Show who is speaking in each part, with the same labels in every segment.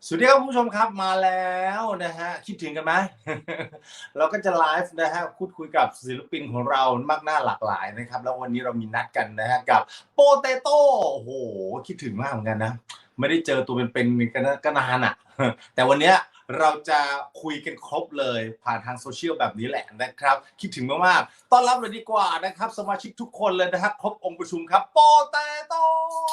Speaker 1: สวัสดีครับคุณผู้ชมครับมาแล้วนะฮะคิดถึงกันไหม เราก็จะไลฟ์นะฮะพูดคุยกับศิลปินของเรามากหน้าหลากหลายนะครับแล้ววันนี้เรามีนัดกันนะฮะกับโปเตโต้โอ้โหคิดถึงมากเหมือนกันนะไม่ได้เจอตัวเป็นๆก็นานอ่ะ แต่วันนี้เราจะคุยกันครบเลยผ่านทางโซเชียลแบบนี้แหละนะครับคิดถึงมากๆต้อนรับเลยดีกว่านะครับสมาชิกทุกคนเลยนะครับครบองค์ประชุมครับโปเตโต้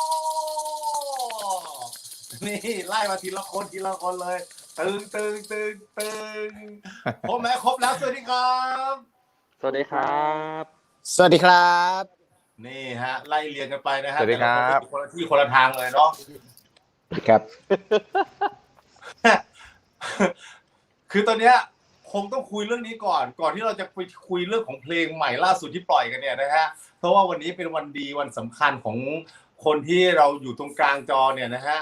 Speaker 1: นี่ไล่มาทีละคนเลยตึงครบไหมครบแล้วสวัสดีครับ
Speaker 2: สวัสดีครับ
Speaker 3: สวัสดีครับ
Speaker 1: นี่ฮะไล่เรียงกันไปนะฮะ
Speaker 2: สวัสดีครับ
Speaker 1: แต่ละคนก็อยู่คนละที่คนละทางเลยเนาะ
Speaker 3: ครับ
Speaker 1: คือตอนเนี้ยคงต้องคุยเรื่องนี้ก่อนที่เราจะไปคุยเรื่องของเพลงใหม่ล่าสุดที่ปล่อยกันเนี่ยนะฮะเพราะว่าวันนี้เป็นวันดีวันสำคัญของคนที่เราอยู่ตรงกลางจอเนี่ยนะฮะ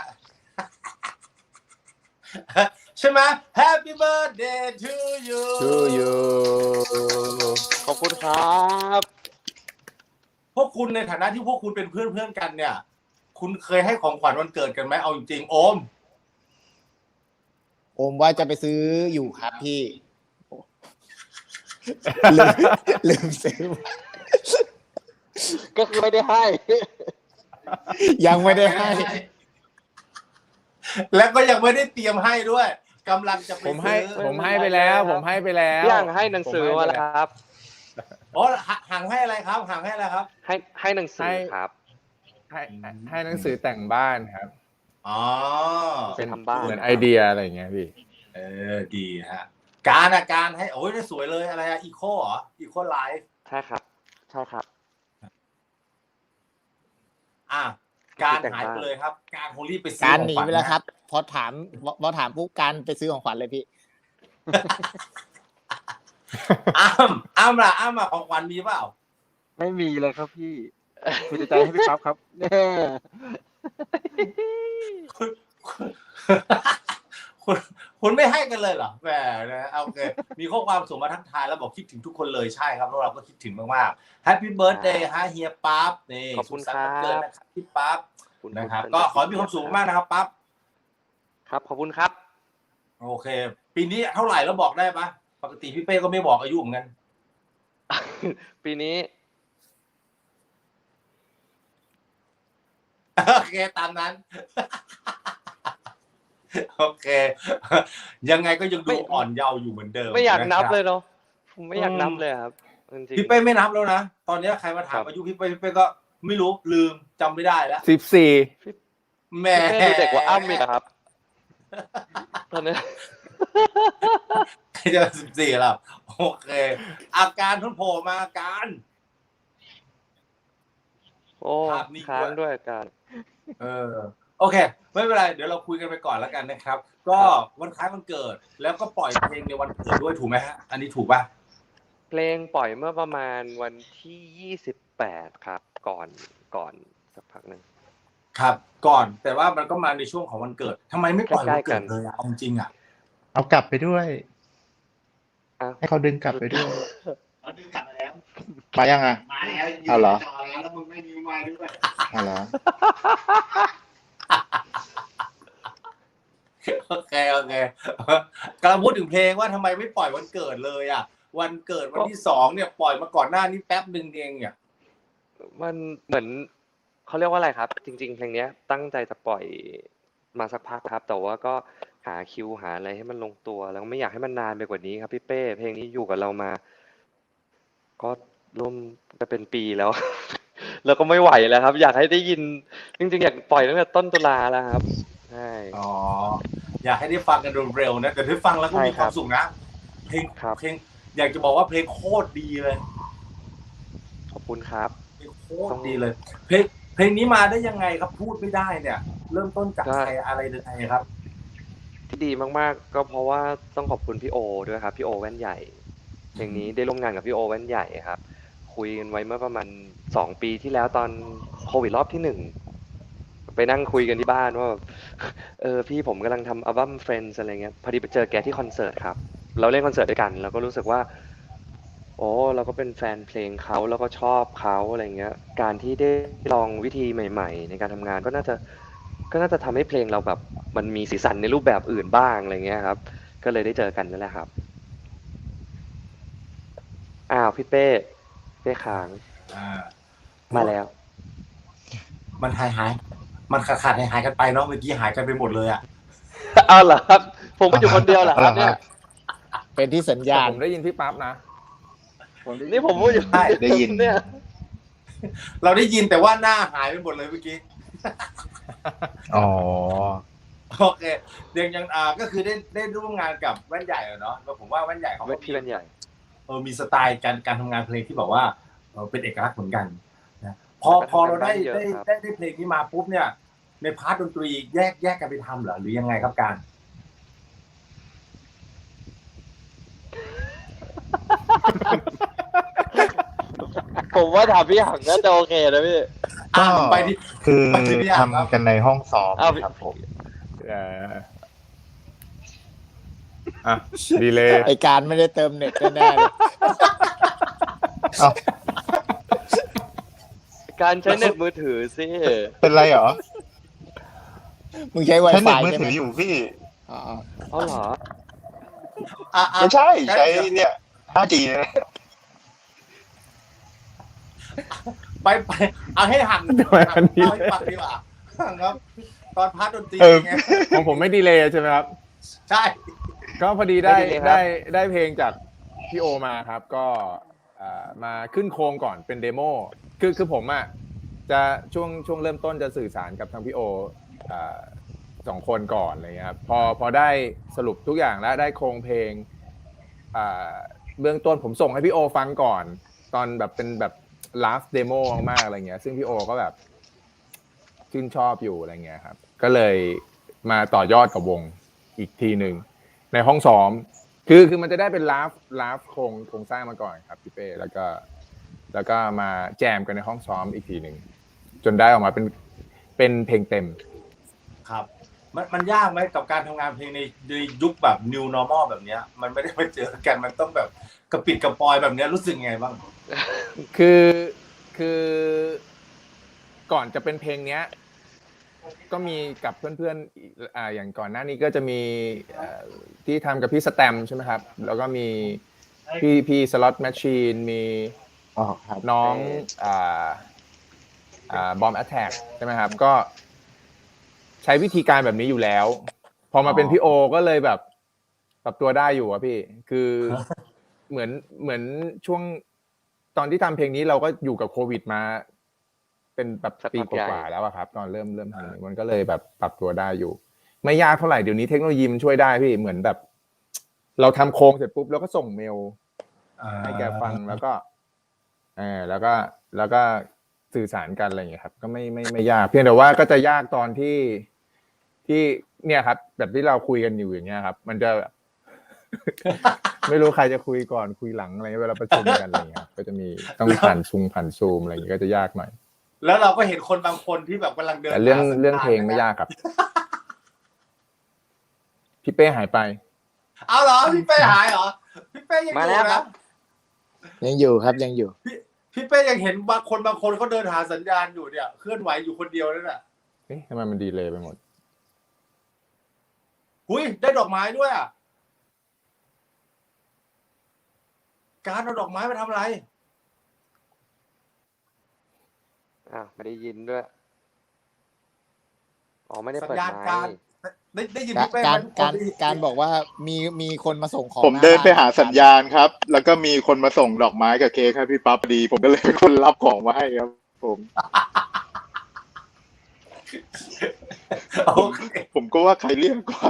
Speaker 1: ใช่ไหม Happy birthday to you
Speaker 3: to you
Speaker 2: ขอบคุณครับ
Speaker 1: พวกคุณในฐานะที่พวกคุณเป็นเพื่อนกันเนี่ย คุณเคยให้ของขวัญวันเกิดกันไหมเอาจริงๆโอม
Speaker 3: โอมว่าจะไปซื้ออยู่ครับพี่ลืมซื้อ
Speaker 2: ก็คือไม่ได้ให้
Speaker 3: ยังไม่ได้ให้
Speaker 1: แล้วก็ยังไม่ได้เตรียมให้ด้วยกำลังจะไป
Speaker 4: ผม
Speaker 1: ซื้อ
Speaker 4: ให้ไปแล้ว ผมให้ไปแล้ว
Speaker 2: พี่ห่างให้หนังสือมาแล้วครับ
Speaker 1: อ๋อห่างให้อะไรครับห่างให้อะไรครับ
Speaker 2: ให้หนังสือครับ
Speaker 4: ให้หนังสือแต่งบ้านครับ
Speaker 1: อ๋อ
Speaker 2: ไปทำบ้าน
Speaker 4: เหมือนไอเดียอะไรอย่างเงี้ยพี่
Speaker 1: ดีฮะการให้โอ้ยได้สวยเลยอะไรอะอีโคเหรออีโคไลฟ์
Speaker 2: ใช่ครับ ใช่ครับ
Speaker 1: อ่ะการหายไปเลยครับ การคงรีบไปซื้อ
Speaker 3: การ
Speaker 1: ของ
Speaker 3: หนี
Speaker 1: ขวัญ
Speaker 3: ไปแล้วครับ พอถามปุ๊บการไปซื้อของขวัญเลยพี่
Speaker 1: อ้ามล่ะของขวัญมีเปล่า
Speaker 5: ไม่มีเลยครับพี่ คุณจะใจให้พี่ปั๊บครับแน่
Speaker 1: คุณไม่ให้กันเลยเหรอแหมนะโอเคมีข้อความส่งมาทักทายแล้วบอกคิดถึงทุกคนเลยใช่ครับพวกเราก็คิดถึงมากๆ Happy Birthday ฮะเฮียปั๊บนี่
Speaker 2: ขอบคุณ
Speaker 1: สุขสันต์วัน
Speaker 2: ครับ
Speaker 1: เกิดนะครับพี่ปั๊บ
Speaker 2: คุณ
Speaker 1: นะครับ
Speaker 2: คุณ
Speaker 1: ก็ขอให้มีความสุขมากนะครับปั๊บ
Speaker 2: ครับ ขอบคุณครับ
Speaker 1: โอเค ปีนี้เท่าไหร่แล้วบอกได้ปะปกติพี่เป้ก็ไม่บอกอายุเหมือนกัน
Speaker 2: ปีนี้
Speaker 1: โอเคตามนั้น โอเค ยังไงก็ยังดูอ่อนเยาว์อยู่เหมือนเดิม
Speaker 2: ไม่อยากนับ
Speaker 1: ะครับ
Speaker 2: เลยเนาะผมไม่อยากนับเลยครับจริง
Speaker 1: พี่เป้ไม่นับแล้วนะ ตอนนี้ใครมาถาม
Speaker 2: ครับ
Speaker 1: อายุพี่เป้ก็ไม่รู้ลืมจำไม่ได้แล้ว
Speaker 4: 14
Speaker 1: แหม่
Speaker 2: พี่เป้ดูเด็กกว่าอ้ำอีกอะครับตอนนี้
Speaker 1: จะ14แล้วโอเค อาการทุนโผล่มาอาการ
Speaker 2: โอ้
Speaker 1: ภาพนิ่ง
Speaker 2: ค้างด้วยการ
Speaker 1: โอเค ไม่เป็นไร เดี๋ยวเราคุยกันไปก่อนแล้วกันนะครับ ก็วันคล้ายวันเกิด แล้วก็ปล่อยเพลงในวันเกิดด้วยถูกไหมฮะ อันนี้ถูกป่ะ
Speaker 2: เพลงปล่อยเมื่อประมาณวันที่28ครับ ก่อนสักพักหนึ่ง
Speaker 1: ครับ ก่อน แต่ว่ามันก็มาในช่วงของวันเกิดทำไมไม่ปล่อยวัน
Speaker 2: ใกล้ๆกั
Speaker 1: เกิด
Speaker 2: น
Speaker 1: เลยอะเอาจริงอะ
Speaker 5: เอากลับไปด้วย
Speaker 2: อ้าว
Speaker 5: ให้เขาดึงกลับไปด้วย
Speaker 6: เขาดึงกลับมาแล้ว
Speaker 5: มายังอ่ะ
Speaker 6: มาแล้วยืน
Speaker 5: เอาเหรอ
Speaker 6: จอแล้วมึงไม่มีไม้ด้วย
Speaker 5: เอาเหรอ
Speaker 1: โอเคกำลังพูดถึงเพลงว่าทำไมไม่ปล่อยวันเกิดเลยอะวันเกิดวันที่2เนี่ยปล่อยมาก่อนหน้านี้แป๊บนึงเองเนี่ย
Speaker 2: มันเหมือนเขาเรียกว่าอะไรครับ จริง ๆ เพลงเนี้ยตั้งใจจะปล่อยมาสักพักครับ แต่ว่าก็หาคิวหาอะไรให้มันลงตัว แล้วไม่อยากให้มันนานไปกว่านี้ครับพี่เป้เพลงนี้อยู่กับเรามา ก็ร่วมจะเป็นปีแล้ว แล้วก็ไม่ไหวแล้วครับ อยากให้ได้ยิน จริง ๆ อยากปล่อยตั้งแต่ต้นตุลาแล้วครับใช่
Speaker 1: อ๋ออยากให้ได้ฟังกันเร็วๆนะแต่ถ้าฟังแล้วก็มี
Speaker 2: ใช่
Speaker 1: ค
Speaker 2: ครับ
Speaker 1: วามสุขนะเพลง
Speaker 2: ครับ
Speaker 1: เพลงอยากจะบอกว่าเพลงโคตรดีเลย
Speaker 2: ขอบคุณครับ
Speaker 1: เพลงโคตรดีเลย เพลงนี้มาได้ยังไงครับพูดไม่ได้เนี่ย เริ่มต้นจาก
Speaker 2: ก็
Speaker 1: ใครอะไรยังไงครับ
Speaker 2: ที่ดีมากๆ ก็เพราะว่าต้องขอบคุณพี่โอด้วยครับพี่โอแว่นใหญ่เพลงนี้ได้ร่วมงานกับพี่โอแว่นใหญ่ครับ คุยกันไว้เมื่อประมาณ2 ปีที่แล้วตอนโควิดรอบที่1ไปนั่งคุยกันที่บ้านว่าแบบพี่ผมกำลังทำอัลบั้ม Friends อะไรเงี้ยพอดีไปเจอแกที่คอนเสิร์ตครับเราเล่นคอนเสิร์ตด้วยกันแล้วก็รู้สึกว่า โอ้เราก็เป็นแฟนเพลงเขาแล้วก็ชอบเขาอะไรเงี้ยการที่ได้ลองวิธีใหม่ ๆ ในการทำงานก็น่าจะก็น่าจะทำให้เพลงเราแบบมันมีสีสันในรูปแบบอื่นบ้างอะไรเงี้ยครับ ก็เลยได้เจอกันนั่นแหละครับอ้าวพี่เป้ค้าง
Speaker 1: อ่า
Speaker 2: มาแล้ว
Speaker 1: มันหายมันขาดหายกันไปเนาะเมื่อกี้หายกันไปหมดเลยอ่ะ
Speaker 2: เอาเหรอครับ ผมก็อยู่คนเดียวเหรอครับเนี่ย
Speaker 3: เป็นที่สัญ
Speaker 4: แต่
Speaker 3: ญาณ
Speaker 4: ผมได้ยินพี่ปั๊บนะ
Speaker 2: นี่ผมพูดอยู่คนเว
Speaker 6: ได้ยิน
Speaker 2: เนี่ย
Speaker 1: เราได้ยินแต่ว่าหน้าหายไปหมดเลยเมื่อกี้
Speaker 6: อ๋อ
Speaker 1: โอเคเดี๋ยวยังก็คือได้ร่วมงานกับแว่นใหญ่เนาะแล้วผมว่าแว่นใหญ่เขาก็
Speaker 2: พี่แว่นใหญ่
Speaker 1: มีสไตล์การทำงานเพลงที่แบบว่าเป็นเอกลักษณ์เหมือนกันนะพอเราได้เพลงนี้มาปุ๊บเนี่ย ในพาร์ทดนตรีแยกกันไปทำเหรอหรือยังไงครับการ
Speaker 2: ผมว่าถามพี่หังน่าจะโอเคนะพี่
Speaker 6: ก็
Speaker 1: ไปที่
Speaker 6: คือ
Speaker 1: ไปที่พี่อ่างครับ
Speaker 6: ทำกันในห้องซ้อม
Speaker 2: อ้าว
Speaker 6: ครับผม
Speaker 4: อ่ะดีเลย
Speaker 3: ไอการไม่ได้เติมเน็ตแน่ๆเลย
Speaker 2: การใช้เน็ตมือถือสิ
Speaker 6: เป็นไรเหรอ
Speaker 3: มึงใช้
Speaker 6: ใช้เน็ต
Speaker 3: Wi-Fi
Speaker 6: มือ
Speaker 3: ใช่ไห
Speaker 6: ถื
Speaker 3: ม
Speaker 6: ออยู่พี่
Speaker 3: อ๋อ
Speaker 2: เอาเหรอ
Speaker 6: ไม่ใช่ใช้เนี่ย 5G นะ
Speaker 1: ไปเอาให้หัน
Speaker 4: ทำไมอันนี้
Speaker 1: เอาให้ฟังดีกว่าหันครับ ตอนพาร์ทดนตรีไง
Speaker 4: ของผมไม่ดีเลยใช่ไหมครับ
Speaker 1: ใช่
Speaker 4: ก็พอดีได้
Speaker 2: ไม่ดีเลยครับ
Speaker 4: ได้เพลงจากพี่โอมาครับ ก็มาขึ้นโครงก่อนเป็นเดโมคือผมอ่ะจะช่วงเริ่มต้นจะสื่อสารกับทางพี่โอสองคนก่อนอะไรเงี้ยครับพอได้สรุปทุกอย่างแล้วได้โครงเพลงเบื้องต้นผมส่งให้พี่โอฟังก่อน ตอนแบบเป็นแบบ last demo มากๆอะไรเงี้ยซึ่งพี่โอก็แบบชื่นชอบอยู่อะไรเงี้ยครับก็เลยมาต่อยอดกับวงอีกทีหนึ่งในห้องซ้อมคือมันจะได้เป็นลาฟโครงสร้างมาก่อนครับพี่เป้แล้วก็มาแจมกันในห้องซ้อมอีกทีหนึ่งจนได้ออกมาเป็นเพลงเต็ม
Speaker 1: ครับมันยากไหมกับการทำงานเพลงในยุคแบบ new normal แบบเนี้ย มันไม่ได้มาเจอกันมันต้องแบบกระปิดกระปอยแบบเนี้ยรู้สึกไงบ้าง
Speaker 4: คือก่อนจะเป็นเพลงเนี้ยก็มีกับเพื่อนๆอย่างก่อนหน้านี้ก็จะมีที่ทำกับพี่สแตมใช่ไหมครับแล้วก็มีพี่สล็อตแมชชีนมี
Speaker 3: อ๋อครับ
Speaker 4: น้องบอมแอทแทกใช่ไหมครับก็ใช้วิธีการแบบนี้อยู่แล้ว พอมาเป็นพี่โอก็เลยแบบปรับตัวได้อยู่อะพี่คือเหมือนช่วงตอนที่ทำเพลงนี้เราก็อยู่กับโควิดมาเป็นแบบปีกว่าๆแล้วอะครับตอนเริ่มทำมันก็เลยแบบปรับตัวได้อยู่ไม่ยากเท่าไหร่เดี๋ยวนี้เทคโนโลยีมันช่วยได้พี่เหมือนแบบเราทำโครงเสร็จปุ๊บแล้วก็ส่งเมลให้แกฟังแล้วก็แล้วก็สื่อสารกันอะไรอย่างเงี้ยครับก็ไม่ยากเพียงแต่ว่าก็จะยากตอนที่เนี่ยครับแบบที่เราคุยกันอยู่อย่างเงี้ยครับมันจะ ไม่รู้ใครจะคุยก่อนคุยหลังอะไรเวลาประชุมกันอะไรเงี้ยก็จะมีต้องผ่านซูมอะไรอย่างเงี้ยก็จะยากหน่อย
Speaker 1: แล้วเราก็เห็นคนบางคนที่แบบกำลังเดิน
Speaker 4: แต่เรื่องเพลงไม่ยากครับ พี่เป้หายไป
Speaker 1: เอาเหรอพี่เป้หายเหรอพี่เป้ยังอ
Speaker 2: มาแล้
Speaker 1: ยู่
Speaker 2: วครั
Speaker 1: นะ
Speaker 2: บ
Speaker 3: ยังอยู่ครับยังอยู่
Speaker 1: พี่เป้ยังเห็นบางคนเขาเดินหาสัญญาณอยู่เนี่ยเคลื่อนไหวอยู่คนเดียวนั่นแหละ
Speaker 4: เอ๊ะทำไมมันดีเลยไปหมด
Speaker 1: หุยได้ดอกไม้ด้วยอ่ะการเอาดอกไม้มาทำอะไร
Speaker 2: อ้าวไม่ได้ยินด้วยอ๋อไม่ได้
Speaker 1: สัญ
Speaker 2: เปิด
Speaker 1: ญาณ
Speaker 2: ไม
Speaker 1: การ
Speaker 2: ค์
Speaker 1: ได้ยินพี่เป้ไหม
Speaker 3: การบอกว่ามีคนมาส่งของ
Speaker 7: ผมเดินไปหาสัญญาณครับ แล้วก็มีคนมาส่งดอกไม้กับเค้กให้พี่ปั๊บพอดี ผมก็เลยเป็นคนรับของมาให้ครับ ผม
Speaker 1: โอเค
Speaker 7: ผมก็ว่าใครเรียกกว่า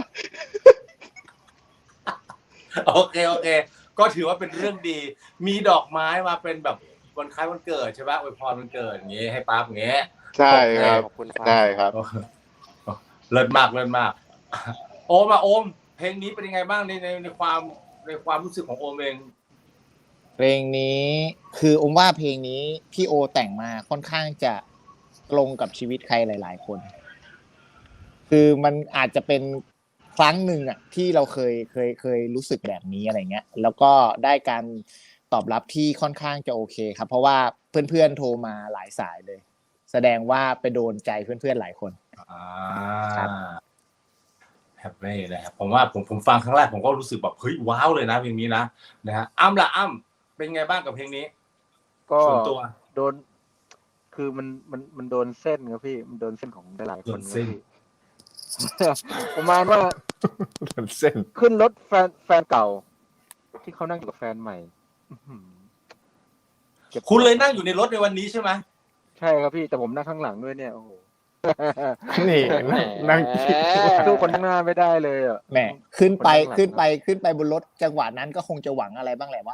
Speaker 1: โอเคก็ถือว่าเป็นเรื่องดี มีดอกไม้มาเป็นแบบวันคล้ายวันเกิดใช่ปะอวยพรวันเกิดอย่างงี้ให้ปั๊บอย่างงี้
Speaker 7: ใช่ครับ
Speaker 2: ขอบคุณครับ
Speaker 7: ใช่ครับ
Speaker 1: เลิศมากโอมเพลงนี้เป็นยังไงบ้างในความรู้สึกของโอมเอง
Speaker 3: เพลงนี้คืออมว่าเพลงนี้พี่โอแต่งมาค่อนข้างจะตรงกับชีวิตใครหลาย ๆ คน คือมันอาจจะเป็นครั้งหนึ่งอ่ะที่เราเคยรู้สึกแบบนี้อะไรเงี้ยแล้วก็ได้การตอบรับที่ค่อนข้างจะโอเคครับเพราะว่าเพื่อนๆโทรมาหลายสายเลย แสดงว่าไปโดนใจเพื่อนๆหลายคน
Speaker 1: อ่า
Speaker 3: ครับ
Speaker 1: แฮปปี้นะครับผมว่าผมฟังครั้งแรกผมก็รู้สึกแบบเฮ้ยว้าวเลยนะเพลงนี้นะฮะอ้ำล่ะอ้ำเป็นไงบ้างกับเพลงนี้
Speaker 5: ก็
Speaker 1: ส่วนตัว
Speaker 5: โดน คือมันโดนเส้นครับพี่ มันโดนเส้นของหลายๆคน
Speaker 1: โดน
Speaker 5: ค
Speaker 1: เส้
Speaker 5: รับ
Speaker 1: น
Speaker 5: พี่ ประมาณว่า
Speaker 4: เส้น
Speaker 5: ขึ้นรถแฟนเก่า ที่เขานั่งอยู่กับแฟนใหม่อื้อหือเก็บ
Speaker 1: คุณเลยนั่งอยู่ในรถในวันนี้ใช่ไหม
Speaker 5: ใช่ครับพี่ แต่ผมนั่งข้างหลังด้วยเนี่ยโอ้โห
Speaker 4: นี่นั่งคิดว่า
Speaker 5: สู้คนข้างหน้าไม่ได้เลยอ่ะ
Speaker 3: แหมขึ้นไป
Speaker 5: คนข้างหลัง
Speaker 3: ขึ้นไปบนรถจังหวะนั้นก็คงจะหวังอะไรบ้างแหละว่า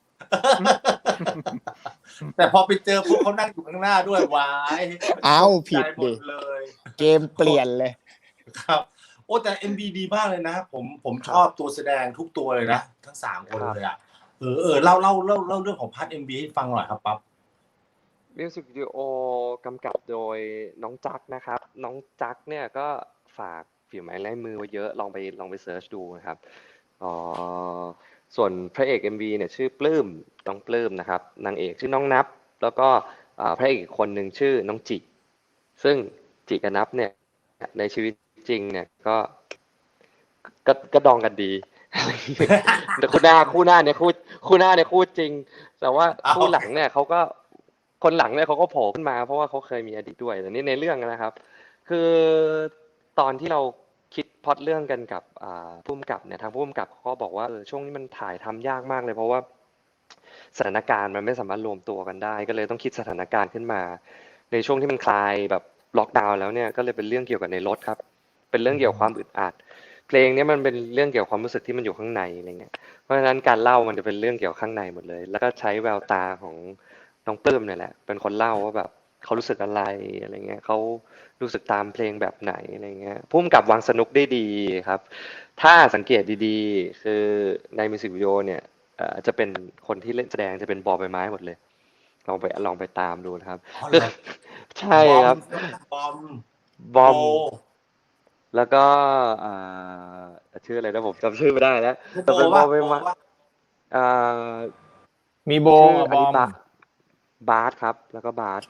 Speaker 1: แต่พอไปเจอพวกเขานั่งอยู่ข้างหน้าด้วยวาย
Speaker 3: เอาผิด
Speaker 1: ใจหม
Speaker 3: ดิ
Speaker 1: ดเลย
Speaker 3: เกมเปลี่ยนเลย
Speaker 1: ครับ โอ้แต่ MV ดีมากเลยนะผมชอบตัวแสดงทุกตัวเลยนะทั้ง3คนเลยอ่ะเล่าเรื่องของพาร์ท MV ให้ฟังหน่อยครับปั๊บ
Speaker 2: มิวสิกวิดีโอกำกับโดยน้องจักนะครับ น้องจักเนี่ยก็ฝากฝีไม้ลายมือไว้เยอะลองไปเสิร์ชดูนะครับส่วนพระเอก MV เนี่ยชื่อปลื้มน้องปลื้มนะครับนางเอกชื่อน้องนับ แล้วก็พระเอกอีกคนหนึ่งชื่อน้องจิซึ่งจิกับนับเนี่ยในชีวิตจริงเนี่ยก็ดองกันดี แต่คู่หน้าเนี่ยคู่จริง แต่ว่าคู่หลังเนี่ยคนหลังเนี่ยเขาก็โผล่ขึ้นมาเพราะว่าเขาเคยมีอดีตด้วยแต่นี่ในเรื่องนะครับ คือตอนที่เราคิดพล็อตเรื่องกันกับผู้กำกับเนี่ยทางผู้กำกับเขาก็บอกว่าช่วงนี้มันถ่ายทำยากมากเลยเพราะว่าสถานการณ์มันไม่สามารถรวมตัวกันได้ก็เลยต้องคิดสถานการณ์ขึ้นมา ในช่วงที่มันคลายแบบล็อกดาวน์แล้วเนี่ยก็เลยเป็นเรื่องเกี่ยวกับในรถครับเป็นเรื่องเกี่ยวกับความอึดอัดเพลงนี้มันเป็นเรื่องเกี่ยวกับความรู้สึกที่มันอยู่ข้างในอะไรเงี้ยเพราะฉะนั้นการเล่ามันจะเป็นเรื่องเกี่ยวกับข้างในหมดเลย แล้วก็ใช้แววตาของน้องปลื้มเนี่ยแหละเป็นคนเล่าว่าแบบเขารู้สึกอะไรอะไรเงี้ยเขารู้สึกตามเพลงแบบไหนอะไรเงี้ยพุ่มกับวางสนุกได้ดีครับถ้าสังเกตดีๆคือในมิวสิกวิดีโอเนี่ยจะเป็นคนที่เล่นแสดงจะเป็นบอใบไม้หมดเลยลองไปตามดูนะครับใช่ครับบอมแล้วก็ชื่ออะไรนะผมจำชื่อไม่ได้แล้วแต่เป็นบอใบไม้
Speaker 4: มีโบ
Speaker 2: ชื่
Speaker 4: กับบอม
Speaker 2: บาสครับแล้วก็บาส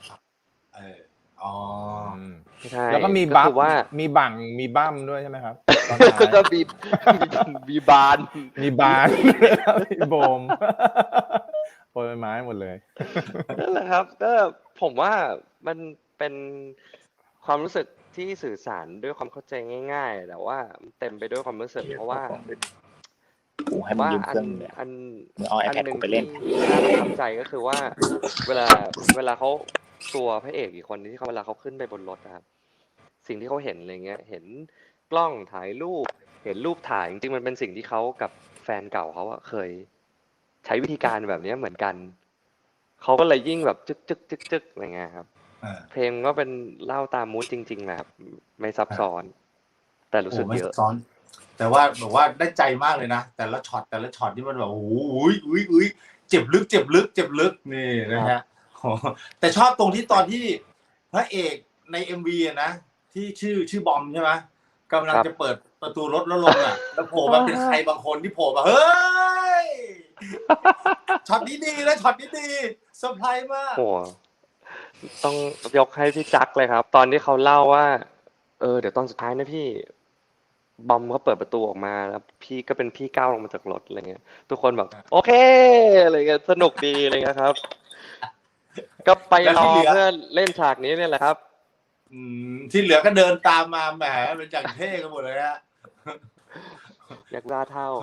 Speaker 2: ใช่
Speaker 4: แล้วก็มีบัฟ
Speaker 2: คือว่า
Speaker 4: มีบังมีบั้มด้วยใช่ไหมครับตอน
Speaker 2: ก็
Speaker 4: ท้าย
Speaker 2: มีบาน
Speaker 4: มีบาน มีโบมโปรยไม้หมดเลย
Speaker 2: นั่นแหละครับก็ผมว่ามันเป็นความรู้สึกที่สื่อสารด้วยความเข้าใจง่าย ๆ แต่ว่าเต็มไปด้วยความรู้สึกเพราะว่า
Speaker 3: กูให้มึงยืมเครื่องเลย
Speaker 2: อัน
Speaker 3: มึงเอา iPad กูไปเล่น
Speaker 2: ที่น่าประทับใจก็คือว่า เวลาเขาตัวพระเอกอีกคนที่เขาเวลาเขาขึ้นไปบนรถนะครับสิ่งที่เขาเห็นอะไรเงี้ยเห็นกล้องถ่ายรูปเห็นรูปถ่ายจริงๆมันเป็นสิ่งที่เขากับแฟนเก่าเขาอะเคยใช้วิธีการแบบนี้เหมือนกันเขาก็เลยยิ่งแบบจึกอะไรเงี้ยครับเพลงก็เป็นเล่าตามมูดจริงๆนะครับไม่ซับซ้อนแต่รู้สึกเยอะ
Speaker 1: แต่ว่าแบบว่าได้ใจมากเลยนะแต่ละช็อตที่มันแบบโอ้โหอุ้ยเจ็บลึกนี่นะฮะแต่ชอบตรงที่ตอนที่พระเอกใน MV นะที่ชื่อบอมใช่ไหมกำลังจะเปิดประตูรถแล้วลงอ่ะแล้วโผล่มาเป็นใครบางคนที่โผล่มาเฮ้ยช็อตนี้ดีนะช็อตนี้ดีเซอร์ไพรส์มาก
Speaker 2: โอ้ต้องยกให้พี่จักเลยครับ ตอนที่เขาเล่าว่าเดี๋ยวตอนสุดท้ายนะพี่บอมเขาเปิดประตูออกมาแล้วพี่ก็เป็นพี่ก้าวลงมาจากรถอะไรเงี้ยทุกคนแบบโอเคอะไรเงี้ยสนุกดีอะไรเงี้ยครับ ก็ไปรอเพื่อเล่นฉากนี้เนี่ยแหละครับ
Speaker 1: ที่เหลือก็เดินตามมาแหมเป็นจังเท่กันหมดเลยฮะ
Speaker 2: อยากได้เท่า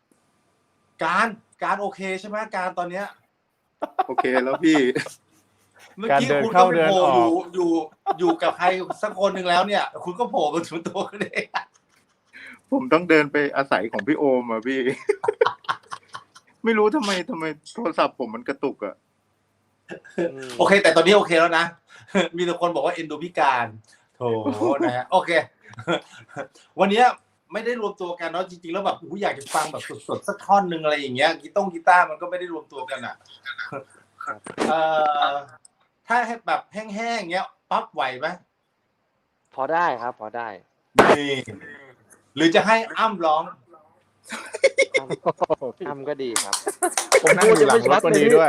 Speaker 1: การโอเคใช่ไหมการตอนเนี้ย
Speaker 7: โอเคแล้วพี่
Speaker 1: เมื่อกี้คุณก็ไปโผล่อยู่กับใครสักคนหนึ่งแล้วเนี่ยคุณก็โผล่มาถึงตัวกันเอง
Speaker 7: ผมต้องเดินไปอาศัยของพี่โอมอ่ะพี่ ไม่รู้ทำไมโทรศัพท์ผมมันกระตุกอ่ะ
Speaker 1: โอเคแต่ตอนนี้โอเคแล้วนะมีแต่คนบอกว่าเอ็นดูพิการโถนะฮะโอเควันนี้ไม่ได้รวมตัวกันเนาะจริงๆแล้วแบบอยากจะฟังแบบสดๆสักท่อนนึงอะไรอย่างเงี้ยกีตาร์มันก็ไม่ได้รวมตัวกันอ่ะถ้าให้แบบแห้งๆเงี้ยปั๊บไหวไหม
Speaker 2: พอได้ครับพอได้
Speaker 1: นี่หรือจะให้อ้ำร้อง
Speaker 2: อ้ำก็ดีครับ
Speaker 4: ผมนั่งอยู่หลังรถคนนี้ด้วย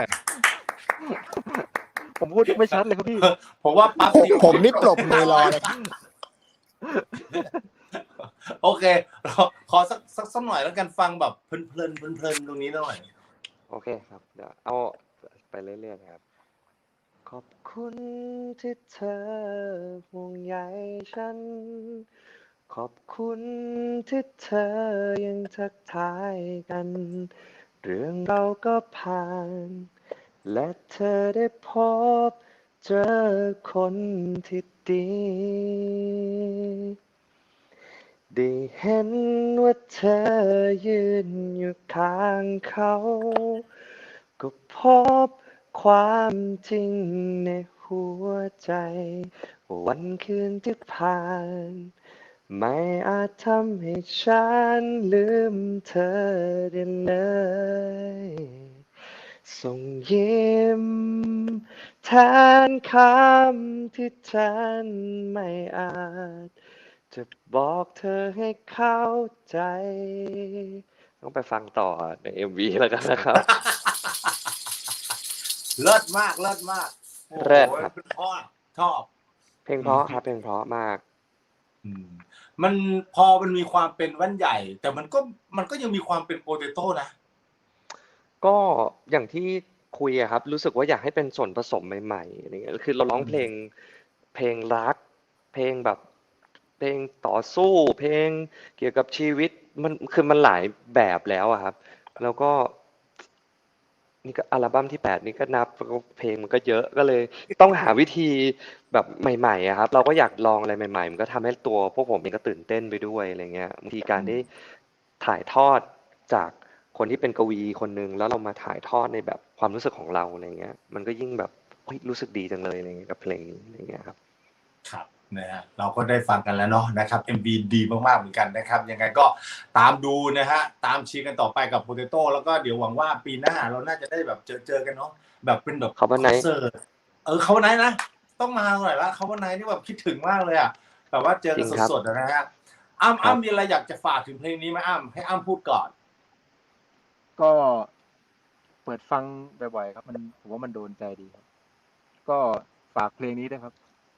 Speaker 5: ผมพูดไม่ชัดเลยครับพี่
Speaker 1: ผมว่าปั๊บ
Speaker 3: ผมนี่ปรบมือรอเลย
Speaker 1: โอเคขอสักหน่อยแล้วกันฟังแบบเพลินตรงนี้หน่อย
Speaker 2: โอเคครับ เดี๋ยวเอาไปเรื่อยๆนะครับ ขอบคุณที่เธอห่วงใยฉัน ขอบคุณที่เธอยังทักทายกัน เรื่องเราก็ผ่าน และเธอได้พบเจอคนที่ดี ได้เห็นว่าเธอยืนอยู่ข้างเขา ก็พบความจริงในหัวใจว่าวันคืนที่ผ่าน ไม่อาจทำให้ฉันลืมเธอได้เลย ส่งยิ้มแทนคำที่ฉันไม่อาจจะบอกเธอให้เข้าใจ ต้องไปฟังต่อใน MV แล้วกันนะครับ
Speaker 1: เลิศมากโอ้โห
Speaker 2: เลิศครับ
Speaker 1: เป็นพ่อชอบ
Speaker 2: เพลงเพราะครับเพลงเพราะมาก
Speaker 1: มันพอมันมีความเป็นแว่นใหญ่ แต่มันก็ยังมีความเป็นโปเตโต้นะ
Speaker 2: ก็อย่างที่คุยอะครับ รู้สึกว่าอยากให้เป็นส่วนผสมใหม่ๆอะไรเงี้ยคือเราร้องเพลงรัก เพลงแบบเพลงต่อสู้ เพลงเกี่ยวกับชีวิตมันหลายแบบแล้วอะครับ แล้วก็ นี่ก็อัลบั้มที่8นี่ก็นับเพลงมันก็เยอะก็เลยต้องหาวิธีแบบใหม่ๆอะครับ เราก็อยากลองอะไรใหม่ๆมันก็ทำให้ตัวพวกผมเองก็ตื่นเต้นไปด้วยอะไรเงี้ยบางทีการได้ถ่ายทอดจากคนที่เป็นกวีคนหนึ่งแล้วเรามาถ่ายทอดในแบบความรู้สึกของเราอะไรเงี้ย มันก็ยิ่งแบบเฮ้ยรู้สึกดีจังเลยอะไรเงี้ยกับเพลงนี้อะไรเงี้ยครับ
Speaker 1: ครับนะฮะเราก็ได้ฟังกันแล้วเนาะนะครับ MV ดีมากๆเหมือนกันนะครับยังไงก็ตามดูนะฮะตามเชียร์กันต่อไปกับโปเตโต้แล้วก็เดี๋ยวหวังว่าปีหน้าเราน่าจะได้แบบเจอกันเนาะแบบเป็นแบบ
Speaker 2: Cover
Speaker 1: คอน
Speaker 2: Night
Speaker 1: เสิร์ตCover Night นะต้องมาหน่อยละCover Nightนี่แบบคิดถึงมากเลยอ่ะแบบว่าเจอกันสดๆนะฮะอ้ำมีอะไรอยากจะฝากถึงเพลงนี้ไหมอ้ำให้อ้ำพูดก่อน
Speaker 5: ก็เปิดฟังบ่อยๆครับผมว่ามันโดนใจดีครับ ก็ฝากเพลงนี้ด้วยครับ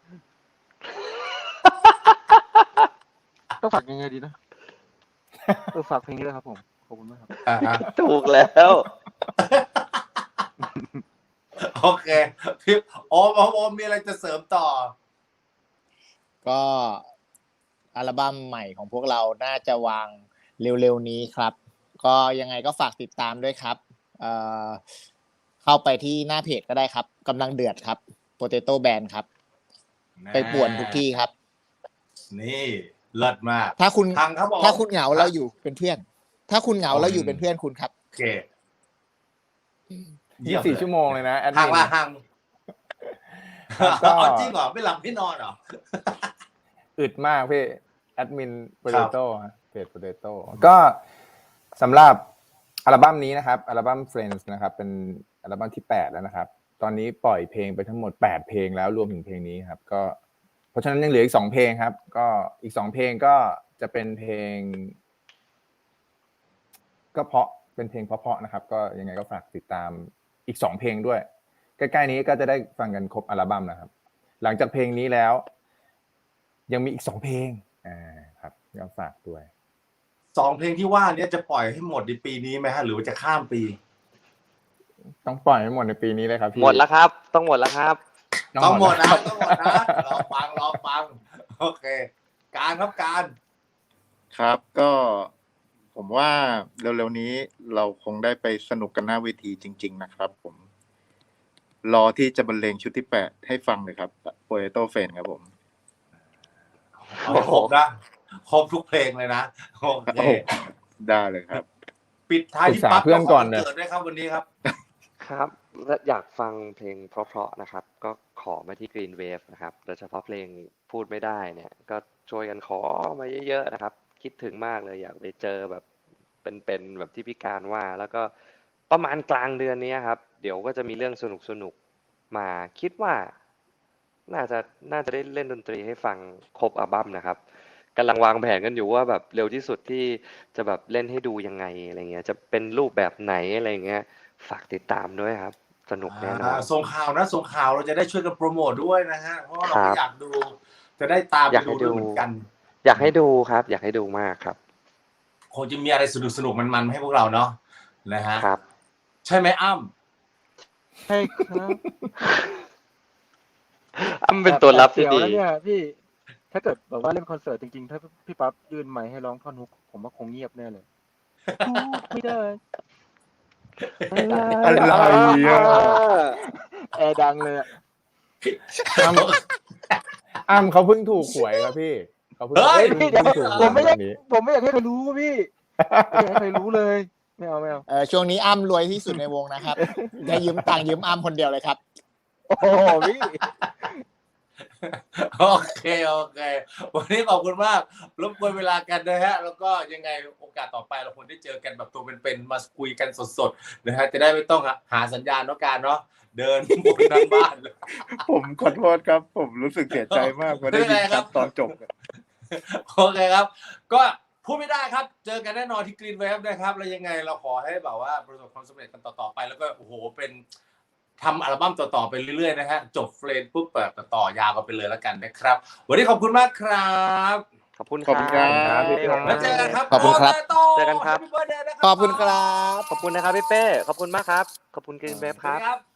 Speaker 5: ต้องฝากยังไงดีนะฝากเพลงนี้ด้วยครับผมขอบคุณมากครับ
Speaker 2: ถูกแล้ว
Speaker 1: โอเคพี่โอมมีอะไรจะเสริมต่อ
Speaker 3: ก็อัลบั้มใหม่ของพวกเราน่าจะวางเร็วๆนี้ครับ ก็ยังไงก็ฝากติดตามด้วยครับเข้าไปที่หน้าเพจก็ได้ครับกำลังเดือดครับ Potato Band ครับ ไปป่วนทุกที่ครับ
Speaker 1: นี่เลิศมาก
Speaker 3: ถ้าคุณ
Speaker 1: ทางครับผม
Speaker 3: ถ้าคุณเหงาเราอยู่เป็นเพื่อน ถ้าคุณเหงาเราอยู่เป็นเพื่อนคุณครับ
Speaker 1: โอเค
Speaker 4: 24 ชั่วโมงเลยนะแอด
Speaker 1: ห่า
Speaker 4: มิ
Speaker 1: ง
Speaker 4: น
Speaker 1: ว่าห่าง
Speaker 4: ก็
Speaker 1: จริงเหรอไม่หลับไม่นอนเหรอ
Speaker 4: อึดมากพี่แอดมินโปเตโต้เพจโปเตโต้ก็สำหรับอัลบั้มนี้นะครับอัลบั้ม Friends นะครับเป็นอัลบั้มที่8แล้วนะครับตอนนี้ปล่อยเพลงไปทั้งหมด8เพลงแล้วรวมถึงเพลงนี้ครับก็เพราะฉะนั้นยังเหลืออีก2เพลงครับก็อีก2เพลงก็จะเป็นเพลงก็เพราะเป็นเพลงเพราะๆนะครับก็ยังไงก็ฝากติดตามอีก2เพลงด้วยใกล้ๆนี้ก็จะได้ฟังกันครบอัลบั้มนะครับหลังจากเพลงนี้แล้วยังมีอีก2เพลงครับก็ฝากด้วย
Speaker 1: 2เพลงที่ว่านี้จะปล่อยให้หมดในปีนี้ไหมฮะหรือว่าจะข้ามปี
Speaker 4: ต้องปล่อยให้หมดในปีนี้เลยครับพี่
Speaker 2: หมดแล้วครับต้องหมดแล้วครับ
Speaker 1: ต้องหมดนะรอฟังโอเคการครับการ
Speaker 7: ครับก็ผมว่าเร็วๆนี้เราคงได้ไปสนุกกันหน้าเวทีจริงๆนะครับผมรอที่จะบรรเลงชุดที่8ให้ฟังเลยครับ Potato Friends ครับผม
Speaker 1: เอาให้ครบนะครบทุกเพลงเลยนะโอเค
Speaker 7: ได้เลยครับ
Speaker 1: ปิดท้ายที่ปั๊บ
Speaker 4: เพื่อนก่อนเลย
Speaker 1: เกิดด้วยครับวันนี้ครับ
Speaker 2: ครับและอยากฟังเพลงเพราะๆนะครับ ก็ขอมาที่ Green Wave นะครับโดยเฉพาะเพลงพูดไม่ได้เนี่ย ก็ช่วยกันขอมาเยอะๆนะครับ คิดถึงมากเลยอยากไปเจอแบบเป็นแบบที่พี่การว่า แล้วก็ประมาณกลางเดือนนี้ครับ เดี๋ยวก็จะมีเรื่องสนุกๆมาคิดว่า น่าจะได้เล่นดนตรีให้ฟังครบอัลบั้มนะครับกำลังวางแผนกันอยู่ว่าแบบเร็วที่สุดที่จะแบบเล่นให้ดูยังไงอะไรเงี้ยจะเป็นรูปแบบไหนอะไรเงี้ยฝากติดตามด้วยครับ สนุกแน่นอน
Speaker 1: ส่งข่าวเราจะได้ช่วยกันโปรโมทด้วยนะฮะเพราะว่าเรา
Speaker 2: ครั
Speaker 1: ก็
Speaker 2: บ
Speaker 1: อยากดูจะได้ตาม
Speaker 2: อยาก
Speaker 1: ไป
Speaker 2: ให้
Speaker 1: ดู
Speaker 2: ดู
Speaker 1: ด้วยเหมือนกัน
Speaker 2: อยากให้ดูครับ อยากให้ดูมากครับ
Speaker 1: คงจะมีอะไรสนุกมันๆให้พวกเราเนาะนะฮะ
Speaker 2: ครับ
Speaker 1: ใช่ไหมอ้ำ
Speaker 5: ใช่ครับ
Speaker 2: อ้ำเป็นตัวรับที่
Speaker 5: แอบ
Speaker 2: ดี
Speaker 5: เสียวแล้วเนี่ยพี่ถ้าเกิดแบบว่าเล่นคอนเสิร์ตจริงๆถ้าพี่ปั๊บยื่นไมค์ให้ร้องท่อนฮุกผมว่าคงเงียบแน่เลยพูดไม่ได้
Speaker 7: อะไรอ่ะ
Speaker 5: แอร์ดังเลยอะ
Speaker 4: อ้ำเขาเพิ่งถูกหวยครับพี่เขาเพิ่ง
Speaker 1: เฮ้ย
Speaker 5: พี่เดี๋ยว
Speaker 4: ถูกห
Speaker 5: ผ
Speaker 4: วย
Speaker 5: มไม่อยาก
Speaker 4: แบบนี้
Speaker 5: ผมไม่อยากให้ใครรู้พี่ไม่อยากให้ใครรู้เลยไม่เอา
Speaker 3: ช่วงนี้อ้ำรวยที่สุดในวงนะครับได้ยืมตังค์ยืมอ้ำคนเดียวเลยครับ
Speaker 5: โอ้โหพี่
Speaker 1: โอเควันนี้ขอบคุณมากรบกวนเวลากันนะฮะแล้วก็ยังไงโอกาสต่อไปเราควรได้เจอกันแบบตัวเป็นๆมาคุยกันสดๆนะฮะจะได้ไม่ต้องหาสัญญาณเนาะการเนาะเดินบนทั้งบ้าน
Speaker 7: ผมขอโทษครับ ผมรู้สึกเสียใจมากพอได้ยินครับตอนจบ
Speaker 1: โอเคครับ ก็พูดไม่ได้ครับ เจอกันแน่นอนที่กรีนเวฟนะครับแล้วยังไงเราขอให้แบบว่าประสบความสำเร็จกันต่อๆไปแล้วก็โอ้โหเป็นทำอัลบั้มต่อๆไปเรื่อยๆนะฮะจบเฟรนปุ๊บแบบต่อยาวกันไปเลยแล้วกันนะครับวันนี้ขอบคุณมากครับ
Speaker 2: ขอบคุณ
Speaker 7: ขอบคุณครับ
Speaker 1: แล้วเจอกันครับ
Speaker 3: ขอบคุณครับ
Speaker 2: เจอกันครับ
Speaker 1: Happy birthday นะ
Speaker 3: ขอบคุณครับ
Speaker 2: ขอบคุณนะครับพี่เป้ขอบคุณมากครับ ขอบคุณกรีนเวฟครับ
Speaker 1: สวัสดีครับ